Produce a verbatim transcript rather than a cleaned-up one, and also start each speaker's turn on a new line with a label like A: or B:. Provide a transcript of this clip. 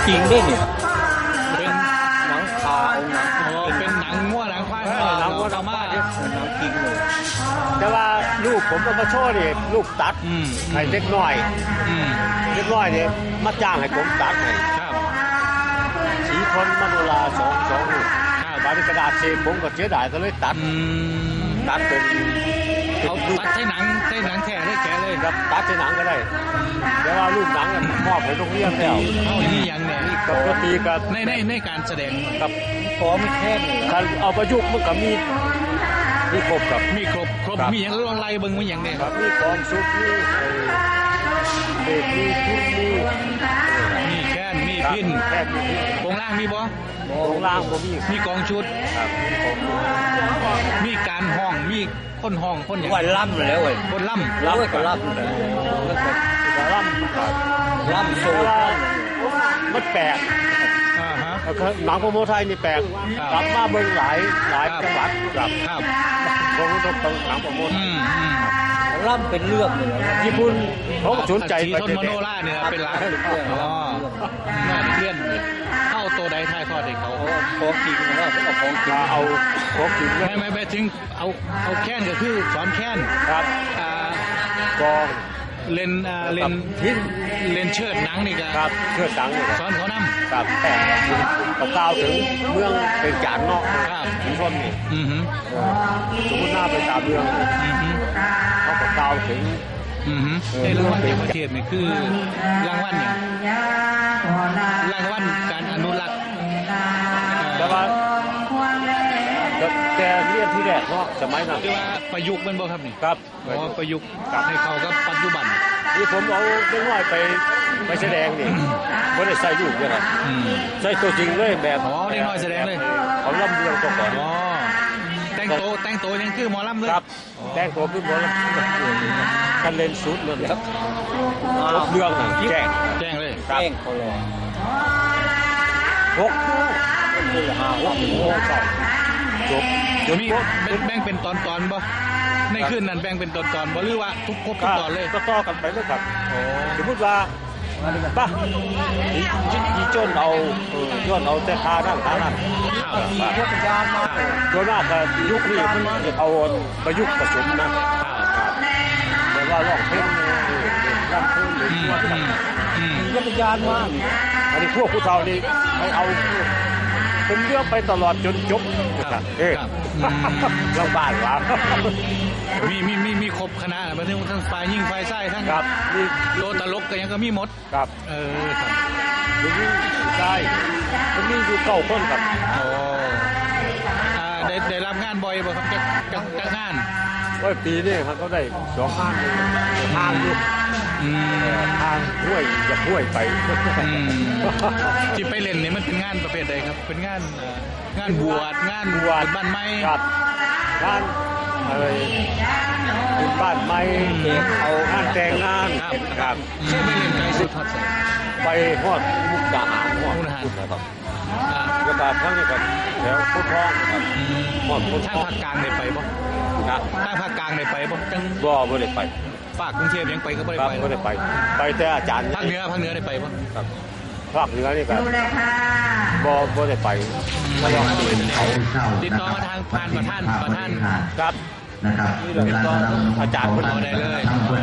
A: จริงด้วยเนี่ย
B: เป็น
A: หนังคาเอาหนัง
B: โอ้เป็นหนังงัวหนังควาย
A: เออหนังวัวหนั
B: เอา
A: ง
B: มา
A: บ้านเนี่ยหนังจริงเลยแต่ว่าลูกผมก็มาโชว์นี่ลูกตัด
B: อืม
A: ให้เล็กน้อย
B: อืม
A: เล็กน้อยเนี่ยมาจ้างให้ผมตัดให้
B: ครับ
A: สีทนมโนราสองสองลูก
B: ครับ
A: บาริกระดาษเซผมก็เสียดายก็เลยตัด
B: อืม
A: ตัดเป็น
B: เขาตัดใช้หนังใช้หนังแท้ได้แก่เลย
A: ครับตัดในหนังก็ได้แต่ว่าลูกหนังเนี่ยมอบให้โรงเรียนแล้ว
B: เอานี่ยังเนี่ย
A: กับดนตรีกับ
B: ในในในการแสดง
A: กับ
C: ขอไม่แค่นี้
A: การเอาประยุกต์มันก็มีมีครบครับ
B: มีครบครบ
A: ครับ
B: มีอย่างลองไล่เบิ่งมีอย่างเนี่ย
A: ครับมีกองชุดมีเบรกมีทุนมี
B: มีแค้นมี
A: ครับ
B: พิน
A: แค่มีพิน
B: วงล่างมีบ่
A: ตรงล่างผมมี
B: มีกองชุด
A: ครับมีของชุด
B: มีการห้องมีคนห้องคนอย่าง
C: ว่าล่ำแล้วเว้ย
B: คนล่ำ
C: ล่ำก็ล่ำเลยแล้วก็
A: จะล่ำครับ
C: ล่ำโซ่
A: แต่ว่ามันแปลก
B: อ่าฮะ
A: แล้วก็หนังโปรโมไทยนี่แปลก
B: ครับ
A: กลับมาเบิ่งหลายหลาย
B: ครับ
A: จังหวัดครับ
B: ครับ
A: ผมต้องต้องหนังโปรโมไท
B: อื
A: ย
B: มอืม
C: ล่ำเป็นเรื่องเลยนะ
A: ญี่ปุ่นเขาก็สนใจ
B: สีทนมโนราเนี่ยนะเป็นหลักอ๋อน่าเลี่ยนเข้าตัวใดทายทอดให้เขา
C: เอาของจริงนะเอาของจริง
A: มาเอาของกิน
B: ไม่ไม่ไม่ถึงเอาเอาแค้นก็คือสอนแค้น
A: ครับ
B: อ่าก
A: อง
B: เลนอ่าเลน
A: ทิ้น
B: เลนเชิดหนังนี่ก็
A: ครับเชื่อสังเลย
B: สอนเขานำ
A: ครับแต่ก็กล่าวถึงเมืองเป็นจานเนาะ
B: ครับ
A: ชุมชนนี่
B: อือหือ
A: สมมติหน้าไปตามเมือง
B: อือหือ
A: เขาก็กล่าวถึง
B: อือหือในรางวัลต่างประเทศนี่คือรางวัลเนี่ยรางวัลการอนุรักษ์
A: แต่ว่าแต่เรียนที่แรกเนาะสมัยนั้น
B: เรียกว่าประยุกต์มันบ่ครับนี่
A: ครับ
B: อ๋อประยุกต์ให้เข้ากับปัจจุบัน
A: ที่ผมเอาเล็กน้อยไปไปแสดงนี่ไม่ได้ใส่ลูกเลยครับ
B: อืม
A: ใส่ตัวจริงเลยแบบ
B: อ๋อเล็กน้อยแสดงเลย
A: เขาล่ำเรืองตัวก่อน
B: อ๋อแต่งโตวแต่งโตวยังคือหมอลำเลย
A: ครับแต่งตัวขึ้นบนกันเล่นสุดเลยครับรถเรื่องน่ะแจ้ง
B: แจ้งเลย
A: ครับ
C: แป้งเขาเลย
A: หกคือห้าหกโมงเช้าจบ
B: เดี๋ยวมีแบ่งเป็นตอนตอนๆบ่ในคืนนั้นแบ่งเป็นตอนตอนๆบ่หรือว่าทุกครบทุกตอนเลย
A: ก็ต่อกันไปเลยครับ
B: โอ้
A: สมมติว่าป่ะยียีโจนเอาเออย้อนเอาแต่คานั่นคานั่น
B: ข้าว
A: ป่ะ
C: พวกยานมา
A: โดยมากก็ยุคนี้มันจะเอาประยุกต์ผสมนะ
B: ข้าว
A: ครับแต่ว่าร้องเพลงเนี่ยรำเพลงหรือ
B: อืม
A: ว่า
B: อืมอืม
C: พวกยานมา
A: อันนี้พวกผู้เฒ่านี่ให้เอาเป็นเรื่องไปตลอดจนจบนะครับเอ๊ะ
B: ครับอืม
A: ลำบากว่ะ
B: มีมีมีมีครบคณะมาทั้งทั้งฝ่ายยิงฝ่ายไส้ทั้ง
A: ครับนี่
B: โลตลกก็ยังก็มีหมด
A: ครับ
B: เออครับ
A: นี่ใช่มันมีอยู่เก้าคนครับ
B: โอ้อ่าได้ได้รับงานบ่อยบ่ครับจากจากจากงาน
A: ว่าปีนี้มันก็ได้สองห้างเลยทางอยู่
B: อืม
A: ทางห้วยจะห้วยไป
B: อืมที่ไปเล่นนี่มันเป็นงานประเภทใดครับ เป็นงานเอ่องานบวชงาน
A: บวช
B: บ้านไม้
A: ครับงานอะไรบุญบ้านไม้
B: เด็ก
A: เอางานแต่งงาน
B: ครับ
A: ครับ
B: อืมไปเล่นไกลสุดทอดใส่
A: ไปฮอดมุกดาหารฮอด
B: มุกดาหาร
A: ครับ
B: อ่า
A: แล้วก็ทั้งนี้ครับแถวพุทธทองครับ
B: อืม
A: ฮอดพุทธ
B: ทา
A: ท
B: ง
A: อง
B: ภาคกลางได้ไปบ่
A: นะ
B: ทางภาคกลางได้ไปบ่จัง
A: บ่บ่ได้ไป
B: ภาคกรุงเทพยังไปก็บ่ได้
A: ครับ
B: ไป
A: บ่ได้ไป ไปแต่อาจารย์
B: ภาคเหนือภาคเหนือได้ไปบ่
A: ครับภาคเหนือนี่ครับบ่บ่ได้ไปถ้าลองไปเขา
B: ติดต่อมาทางผ่านประธานประธาน
A: ครับ
D: นะครับ
A: นี่เราติดต่ออาจารย์คน
B: เอาได้เลย
D: ทำควร